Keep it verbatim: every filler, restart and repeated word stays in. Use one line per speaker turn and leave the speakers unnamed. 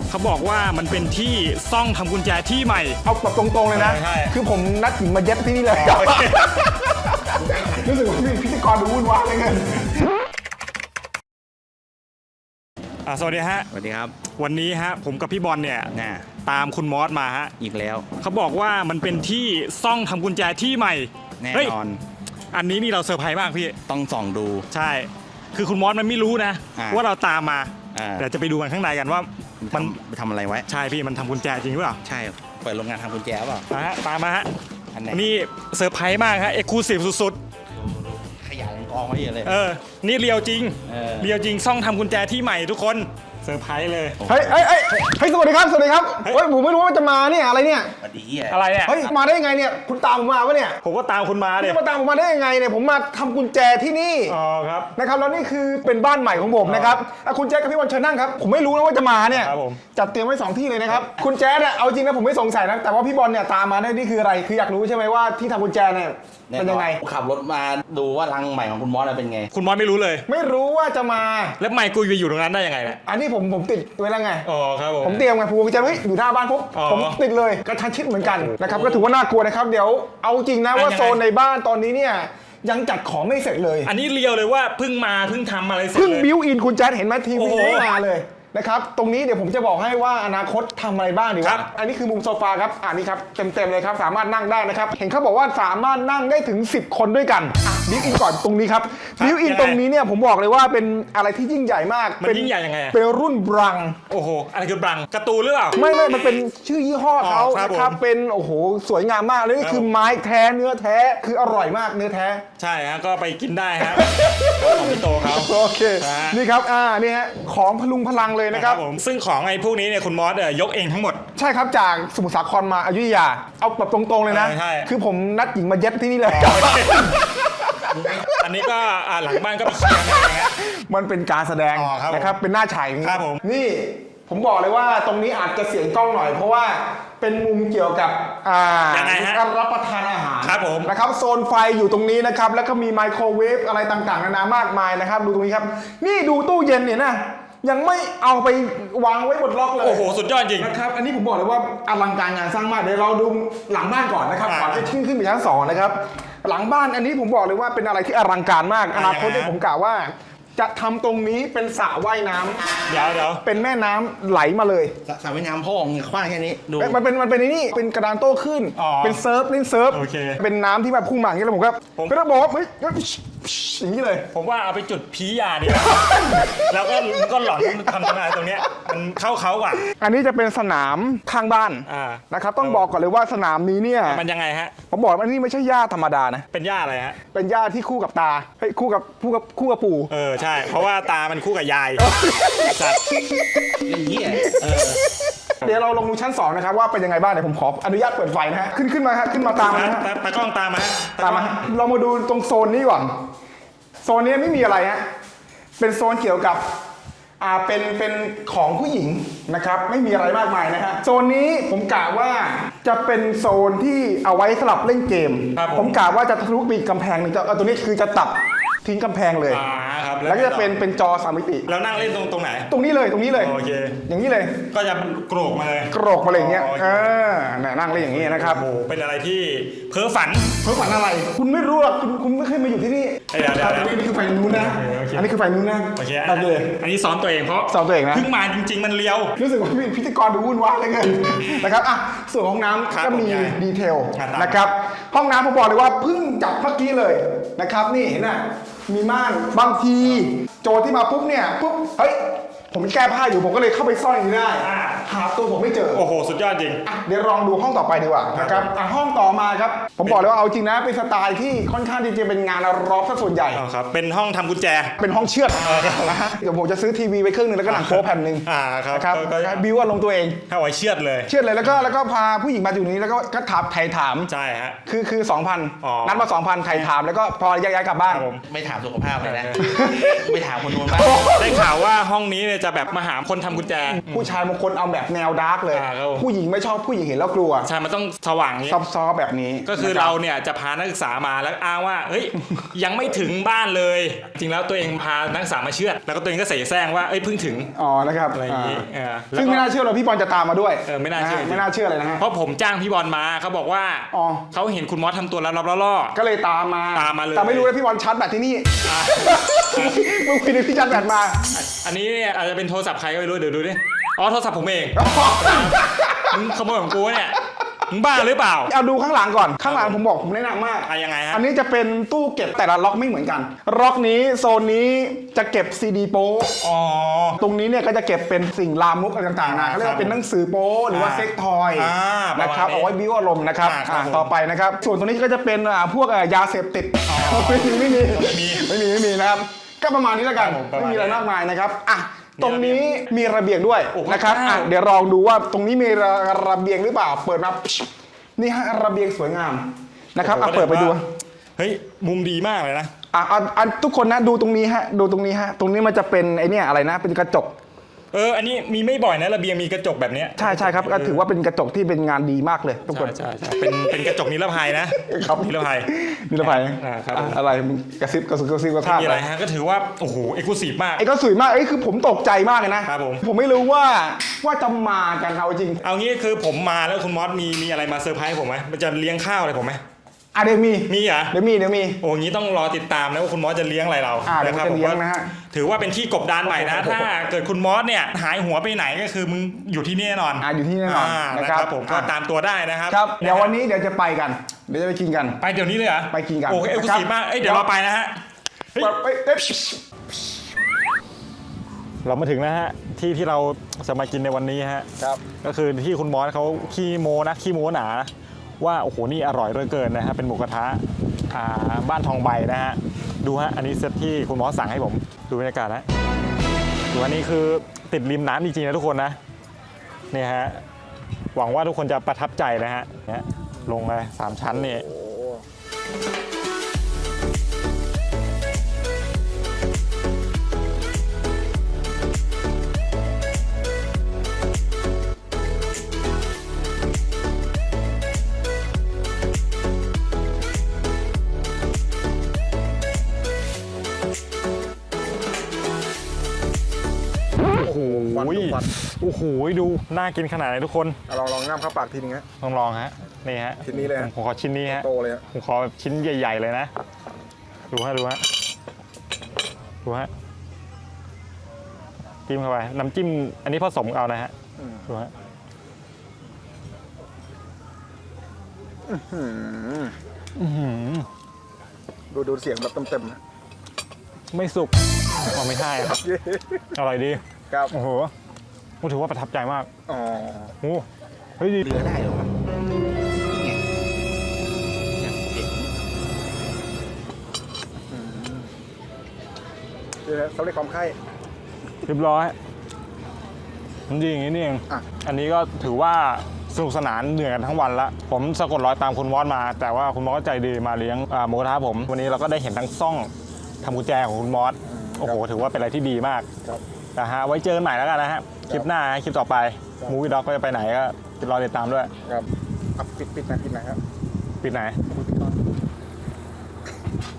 เขาบอกว่ามันเป็นที่ซ่องทำกุญแจที่ใหม่
เอาแบบตรงๆเลยนะคือผมนัดหญิงมาเย็บที่นี่เลยรู้สึกว่าพี่พิธีกรดูวุ่นวายเลยเงิน
สวัสดีฮะ
สวัสดีครับ
วันนี้ฮะผมกับพี่บอลเนี่ยตามคุณมอสมาฮะ
อีกแล้ว
เขาบอกว่ามันเป็นที่ซ่องทำกุญแจที่ใหม่
แน่นอน
อันนี้นี่เราเซอร์ไพรส์มากพี่
ต้องส่องดู
ใช่คือคุณมอสมันไม่รู้นะว่าเราตามมาเดี๋ยวจะไปดูกันข้างในกันว่า
มันไปทำอะไรไว้
ใช่พี่มันทำกุญแจจริงหรือเปล่า
ใช่เปิดโรงงานทำกุญแจเปล่า
ฮะตามมาฮะอันนี้เซอร์ไพรส์มากฮะเอ็กซ์คลูซีฟสุด
ๆขยายกองไว้เยอะเลย
เออนี่เรียวจริงเรียวจริงซ่องทำกุญแจที่ใหม่ทุกคนเซอร์ไพรส์เลย
เฮ้ยเฮ้ยเฮ้ยสวัสดีครับสวัสดีครับเฮ้ยผมไม่รู้ว่าจะมาเนี่ยอะไรเนี่ย
สวัสดี
อะไรเนี่ย
เฮ้ยมาได้ยังไงเนี่ยคุณตามผมมาวะเนี่ย
ผมก็ตามคุณมาเนี่ย
มาตามผมมาได้ยังไงเนี่ยผมมาทำกุญแจที่นี่
อ๋อครับ
นะครับแล้วนี่คือเป็นบ้านใหม่ของผมนะครับคุณแจ๊คกับพี่บอลเชิญนั่งครับผมไม่รู้นะว่าจะมาเนี่ยจัดเตรียมไว้สองที่เลยนะครับคุณแจ๊คเนี่ยเอาจริงนะผมไม่สงสัยนะแต่ว่าพี่บอลเนี่ยตามมาเนี่ยนี่คืออะไรคืออยากรู้ใช่ไหมว่าที่ทำกุญแจเนี่ยเป็นยังไง
ขับรถมาดูว่ารังใหม่ของคุณมอสเป็นไง
คุณมอสไม่รู้เลย
ไม่รู้ว่าจะมา
แล้วไมค์กูไปอยู่ตรงนั้นได้ยังไงเนี่ย
อันนี้ผมผมติดไว้แล้วไง
อ๋อครับผม
ผมเตรียมไงผมจะเฮ้ยอยู่หน้าบ้านปุ๊บผมติดเลยกระชั้นชิดเหมือนกันนะครับก็ถือว่าน่ากลัวนะครับเดี๋ยวเอาจริงนะว่าโซนในบ้านตอนนี้เนี่ยยังจัดของไม่เสร็จเลย
อันนี้เรียวเลยว่าเพิ่งมาเพิ่งทำอะไรเสร็จ
เพิ่งบิวอินคุณแจ๊ดเห็นไหมทีวีไม่มาเลยนะครับตรงนี้เดี๋ยวผมจะบอกให้ว่าอนาคตทำอะไรบ้างดีวะอันนี้คือมุมโซฟาครับอันนี้ครับเต็มๆเลยครับสามารถนั่งได้นะครับเห็นเขาบอกว่าสามารถนั่งได้ถึงสิบคนด้วยกันบิวอินก่อนตรงนี้ครับบิวอินตรงนี้เนี่ยผมบอกเลยว่าเป็นอะไรที่ยิ่งใหญ่มาก
มันยิ่งใหญ่ยังไง
เป็นรุ่นบรัง
โอ้โหอะไรคือบรังการ์ตูนหรือเปล่า
ไม่ไม่มันเป็นชื่อยี่ห้อเขานะครับเป็นโอ้โหสวยงามมากเลยนี่คือไม้แท้เนื้อแท้คืออร่อยมากเนื้อแท้
ใช่ฮะก็ไปกินได้ครับของพี่โตเขา
โอเคนี่ครับอ่านี่ฮะของพลุงพลังเลยนะครับ
ซึ่งของไอ้พวกนี้เนี่ยคุณมอสยกเองทั้งหมด
ใช่ครับจากสมุทรสาครมาอยุธยาเอาแบบตรงๆเลยนะคือผมนัดหญิงมาเย็บที่นี่เลย
อันนี้ก็หลังบ้านก็ไปเชียร์อะไรเงี้ย
มันเป็นการแสดงนะครับเป็นหน้าฉาย
ครับผม
นี่ผมบอกเลยว่าตรงนี้อาจจะเสียงกล้องหน่อยเพราะว่าเป็นมุมเกี่ยวกับการรับประทานอาหาร
ครับผม
นะครับโซนไฟอยู่ตรงนี้นะครับแล้วก็มีไมโครเวฟอะไรต่างๆนานามากมายนะครับดูตรงนี้ครับนี่ดูตู้เย็นเนี่ยนะยังไม่เอาไปวางไว้บนล็อกเลย
โอ้โหสุดยอดจริง
นะครับอันนี้ผมบอกเลยว่าอลังการงานสร้างมากเดี๋ยวเราดูหลังบ้านก่อนนะครับก่อนจะขึ้นขึ้นไปชั้นสองนะครับหลังบ้านอันนี้ผมบอกเลยว่าเป็นอะไรที่อลังการมากอนาคตที่ผมกล่าวว่าจะทำตรงนี้เป็นสระว่ายน้ำ
เดี๋ยวเดี๋ยว
เป็นแม่น้ำไหลมาเลย
สระว่ายน้ำพ่อของกว้างแค่นี้ดู
มันเป็นมันเป็นนี่เป็นกระดานโต้ขึ้นเป็นเซิร์ฟเล่นเซิร์ฟเป็นน้ำที่แบบพุ่งมาอย่างนี้แล้วผมก็ก็ต้องบอกว่าเฮ้ยอย่างนี้เลย
ผมว่าเอาไปจุดพียาดีแล้วก็ก็หลอนทำอะไรตรงเนี้ยมันเข้าเขาอ่ะ
อันนี้จะเป็นสนามข้างบ้านนะครับต้องบอกก่อนเลยว่าสนามนี้เนี่ย
มันยังไงฮะ
ผมบอกว่านี่ไม่ใช่หญ้าธรรมดานะ
เป็นหญ้าอะไรฮะ
เป็นหญ้าที่คู่กับตาเฮ้ยคู่กับคู่กับคู่กับปู่
เออใช่เพราะว่าตามันคู่กับยายสัตว์
อย่างนี้
เดี๋ยวเราลงดูชั้นสองนะครับว่าเป็นยังไงบ้างเดี๋ยวผมขออนุญาตเปิดไฟนะฮะขึ้นขึ้นมาฮะขึ้นมาตามนะฮะ
ตากล้องตามมา
ตามมาเรามาดูตรงโซนนี้ก่อนโซนนี้ไม่มีอะไรฮะเป็นโซนเกี่ยวกับอ่าเป็นเป็นของผู้หญิงนะครับไม่มีอะไรมากมายนะฮะโซนนี้ผมกะว่าจะเป็นโซนที่เอาไว้สำหรับเล่นเกมผมกะว่าจะทะลุปีกกำแพงหนึ่งจะตัวนี้คือจะตัดทิ้งกำแพงเลยแล้วก็จะเป็นเป็นจอสามมิติ
แล้วนั่งเล่นตรงตรงไหน
ตรงนี้เลยตรงนี้เลย
โอเค
อย่างนี้เลย
ก็จะโกรกมาเลย
โกรกมาเลยอย่างเงี้ยเออนั่งเล่นอย่างนี้นะครับ
โอ้เป็นอะไรที่เพ้อฝัน
เพ้อฝันอะไรคุณไม่รู้หรอกคุณคุณไม่เคยมาอยู่ที่นี่
เดี๋ยวเดี๋ยว
อันนี้คือไฟนู้นนะอันนี้คือไฟนู้นนะ
โอเคอันนี้ซ้อมตัวเองเพราะ
ซ้อมตัวเองนะ
เพิ่งมาจริงๆมันเลี้ยว
รู้สึกว่าพี่พิธีกรดูวุ่นวายเลยเกินนะครับอ่ะส่วนห้องน้ำก็มีดีเทลนะครับห้องน้ำผมบอกเลยว่าเพิ่งจับเมื่อกี้เลยนะครับนี่เห็นไหมมีม่านบางทีโจที่มาปุ๊บเนี่ยปุ๊บเฮ้ยผมแก้ผ้าอยู่ผมก็เลยเข้าไปซ่อนอย่างนี้ได้หาตัวผมไม่เจอ
โอ้โหสุดยอดจริง
เดี๋ยวลองดูห้องต่อไปดีกว่านะครับห้องต่อมาครับผมบอกเลยว่าเอาจริงนะเป็นสไตล์ที่ค่อนข้างที่จะเป็นงานร็อกซะส่วนใหญ่
ครับเป็นห้องทำกุญแจ
เป็นห้องเชือดนะฮะเดี๋ยวผมจะซื้อทีวีไปเครื่องนึงแล้วก็หนังโป๊แผ่นหนึ่งครับบิวว่าลงตัวเอง
ถ้าไว้เชือดเลย
เชือดเลยแล้วก็แล้วก็พาผู้หญิงมาอยู่นี้แล้วก็ก็ถามไถ่ถาม
ใช่ฮะ
คือคือสองพันนัดมาสองพันไถ่ถามแล้วก็พอย้ายกลับบ้าน
ไม่ถามสุขภาพเลยนะไม่ถามคนนู้นบ้าง
ได้ข่าวว่าห้องนี้เนี่ยเนี่ยจะแบบมาหาคนทำกุญแจ
ผู้ชายบางคนเอาแบบแนวดาร์กเลย
อ่าครับผม
ผู้หญิงไม่ชอบผู้หญิงเห็นแล้วกลัว
ใช่มันต้องสว่างอย่างนี้
ซอฟๆแบบนี้
ก็คือ
นะบ
เราเนี่ยจะพานักศึกษามาแล้วอ้างว่าเฮ้ย ยังไม่ถึงบ้านเลย จริงแล้วตัวเองพานักศึกษามาเชือดแล้วก็ตัวเองก็เสแสร้งว่าเอ้ยเพิ่งถึง
อ๋อนะครับ
อะไรอย่างนี้
อ่า
เออแล้วก็
ซึ่งไม่น่าเชื่อเลยพี่บอลจะตามมาด้วย
เออไม่น่าเชื่อ
ะฮะ
จริง
ไม่น่าเชื่อเลยนะฮะ
เพราะผมจ้างพี่บอลมาเขาบอกว่า
อ๋อ
เขาเห็นคุณมอสทำตัวลับๆล่อ
ก็เลยตามมา
ตามมาเลย
แต่ไม่รู้นะพี่บอลชาร์จแบตที่นี่
ๆอ่ะ
มึงคุยถึงที่ชาร์จแบตมา
อันนี้เนี่ยอาจจะเป็นโทรศัพท์ใครก็ไม่รู้เดี๋ยวดูดิอ๋อโทรศัพท์ผมเองมึงขโมยของกูเนี่ยมึงบ้าหรือเปล่า
เอาดูข้างหลังก่อน ข้างหลังผมบอกผมแนะนำมาก
อะยังไงฮะ
อันนี้จะเป็นตู้เก็บแต่ละล็อกไม่เหมือนกัน ล็อกนี้โซนนี้จะเก็บซีดีโป๊
อ๋อ
ตรงนี้เนี่ยก็จะเก็บเป็นสิ่งลามกอะไรต่างๆนะเขาเรียกว่าเป็นหนังสือโป๊หรือว่า
อ่า
เซ็กทอย
อ่าประมาณ
นะครับ
นี้
เอาไว้บิ้วอารมณ์นะครับ
อ่าครับ
อ่า
ผม
ต่อไปนะครับ ส่วนตรงนี้ก็จะเป็นอ่าพวกอ่ายาเสพติดไม่มีไม่มี
ไม่มี
ไม่มีไม่มีนะครับ ก็ประมาณนี้แล้วกัน
ครับผมประมาณ
ไม่มีอะไร
นี้
มากมายนะครับอ่ะตรงนี้มีระเบียงด้วย
โอ้โห
นะครับอ่ะ
ว้าว
เดี๋ยวลองดูว่าตรงนี้มีระระเบียงหรือเปล่าเปิดมานี่ฮะระเบียงสวยงามนะครับอ่ะ
โอ้โห
เปิดไปดู
เฮ้ยมุมดีมากเลยนะ
อ่ะอ่ะอ่ะทุกคนนะดูตรงนี้ฮะดูตรงนี้ฮะตรงนี้มันจะเป็นไอเนี่ยอะไรนะเป็นกระจก
เอออันนี้มีไม่บ่อยนะระเบียงมีกระจกแบบเนี้ย
ใช่ใช่ครับก็ถือว่าเป็นกระจกที่เป็นงานดีมากเลยทุกคน
ใช่ใช่ใช่เป็นเป็นกระจกนิรภัยนะครับ นิรภัย
นิรภัย
อ่าครับ
อ่ะอะไรมึงกระซิบกระซิบกระซิบกระซาบ
มีอะไรฮะก็ถือว่าโอ้โหเอกลุศิมาก
ไอ้ก็สวยมากไอ้คือผมตกใจมากเลยนะครับ
ผม
ผมไม่รู้ว่าว่าจะมากันเอาจริง
เอางี้คือผมมาแล้วคุณมอสมีมีอะไรมาเซอร์ไพรส์ผมไหมมันจะเลี้ยงข้าวอะไรผมไหม
อ่ะเดี๋ยวมี
มีเหรอ
เดี๋ยวมีเดี๋ยวมี
โอ้งี้ต้องรอติดตามนะว่าคุณมอสจะเลี้ยงอะไรเรา
อ่าเดี๋ยว
ครั
จะเลี้ยง
ผมว่า
นะฮะ
ถือว่าเป็นที่กบดานใหม่นะ ถ้าเกิดคุณมอสเนี่ยหายหัวไปไหนก็คือมึงอยู่ที่นี่แน่นอน
อ่าอยู่ที่แน่นอน
อ่า
นะ
นะ
ค
ค
รั
รั
บบ
ผมก็
อ่ะ
ตามตัวได้นะครับ
ครับเดี๋ยววันนี้เดี๋ยวจะไปกัน เดี๋ยวจะไปกินกัน
ไปเดี๋ยวนี้เลยเหรอ
ไปกินกัน
โอ้เอกลุศิมากเอ้ยเดี๋ยวเราไปนะฮะ เฮ้ย
เอ้ยเอ้ย
เรามาถึงนะฮะที่ที่เราจะมากินในวันนี้ฮะ
ครับ
ก็คือที่คุณมอสเขาขี้โมนะขี้โมหนาว่าโอ้โหนี่อร่อยเหลือเกินนะฮะเป็นหมูกระทะอ่าบ้านทองใบนะฮะดูฮะอันนี้เซตที่คุณมอสสั่งให้ผมดูบรรยากาศนะดูอันนี้คือติดริมน้ำจริงๆนะทุกคนนะเนี่ยฮะหวังว่าทุกคนจะประทับใจนะฮะเนี่ยลงเลยสามชั้นนี่ โอ้โห
ฟันดูฟัน
โอ้โหดูน่ากินขนาดไหนทุกคน
อ่ะลองลองง่ามเข้าปากทีนึงฮะ
ลองลองฮะนี่ฮะ
ชิ้นนี้เลยฮะ
ผมขอชิ้นนี้ฮะ
โตเลยฮะ
ผมขอแบบชิ้นใหญ่ ๆ เลยนะ ดูฮะดูฮะดูฮะจิ้มเข้าไปน้ำจิ้มอันนี้ผสมเอานะฮะดูฮะ อื้อหือ
ดูดูเสียงแบบเต็มๆนะ
ไม่สุกอ๋อไม่ใช่ครับอร่อยดี
ครับ
โอ้โหผมถือว่าประทับใจมาก
อ๋อ
โอ้เฮ้ยดี
เรือได้เหรอวะนี่ไงเนี่ยเห็น
เดี๋ยวนะสำเร็จความไข้
เรียบร้อยมันดีอย่างนี้นี่เอง
อ่ะ
อันนี้ก็ถือว่าสนุกสนานเหนื่อยกันทั้งวันละผมสะกดรอยตามคุณมอสมา แต่ว่าคุณมอสก็ใจดีมาเลี้ยงอ่าหมูกระทะผม วันนี้เราก็ได้เห็นทั้งซ่องทำกุญแจของคุณมอสโอ้โหถือว่าเป็นอะไรที่ดีมาก
ครับ
นะฮะไว้เจอกันใหม่แล้วกันนะฮะคลิปหน้าคลิปต่อไป
ครับ
มูวี่ด็อกก็จะไปไหนก็รอติดตามด้วย
ครับอ่ะปิดปิดหนะปิดหนะครับ
ปิดไหน
ปิดก่อน